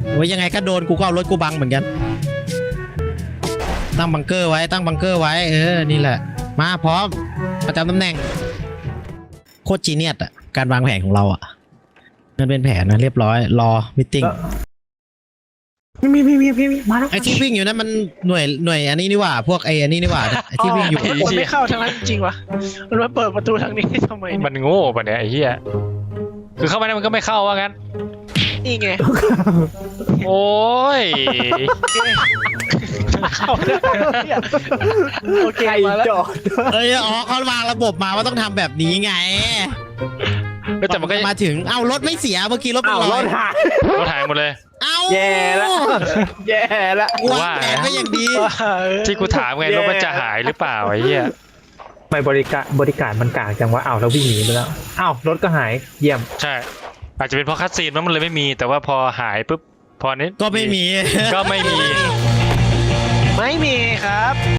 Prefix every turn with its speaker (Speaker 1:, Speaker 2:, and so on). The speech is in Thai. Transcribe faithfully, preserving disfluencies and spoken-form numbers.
Speaker 1: โอ้ยยังไงก็โดนกูก็เอารถกูบังเหมือนกันตั้งบังเกอร์ไว้ตั้งบังเกอร์ไว้เออนี่แหละมาพร้อมประจำตำแหน่งโคตรจีเนียสอ่ะการวางแผนของเราอ่ะมันเป็นแผนนะเรียบร้อยรอมิทติ้ง
Speaker 2: มีมีมีมีมีมาแล้ว
Speaker 1: ไอ้ที่วิ่งอยู่นั้นมันหน่วยหน่วยอันนี้นี่หว่าพวกไอ้อันนี้นี่หว่าไอ้ที่วิ่งอยู่
Speaker 3: มันไม่เข้าทางนั้นจริงวะมันมาเปิดประตูทางนี้ทำไม
Speaker 4: มันโง่ปะเนี่ยไอ้เหี้ยคือเข้ามาได้มันก็ไม่เข้าว่างั้น
Speaker 3: นี่ไง
Speaker 4: โอ้ย
Speaker 3: เข้าได้เนี่ยโอเค
Speaker 2: ใคร
Speaker 3: มาแล้ว
Speaker 2: จอด
Speaker 1: เอ้ยอ๋อเขาวางระบบมาว่าต้องทำแบบนี้ไง
Speaker 4: แต่มันก็
Speaker 1: มาถึงเอ้ารถไม่เสียเมื่อกี้รถเป็
Speaker 2: อ้าน ว
Speaker 1: ร
Speaker 2: ร
Speaker 1: อย
Speaker 2: ถหาย
Speaker 4: รถหายหมดเลย
Speaker 1: เอ้า
Speaker 2: แย่ละแย่ละ
Speaker 1: วางแผนไว้อย่างดี
Speaker 4: ที่กูถามไงรถมันจะหายหรือเปล่าไอ้เหี้ย
Speaker 2: ไม่บริการบริการมันกากจังวะอ้าวเราวิ่งหนีไปแล้วอ้าวรถก็หายเยี่ยม
Speaker 4: ใช่อาจจะเป็นเพราะคัสซีนมันเลยไม่มีแต่ว่าพอหายปุ๊บพอนี้
Speaker 1: ก็ไม่มี
Speaker 4: ก็ไม่มี
Speaker 3: ไม่มีครับ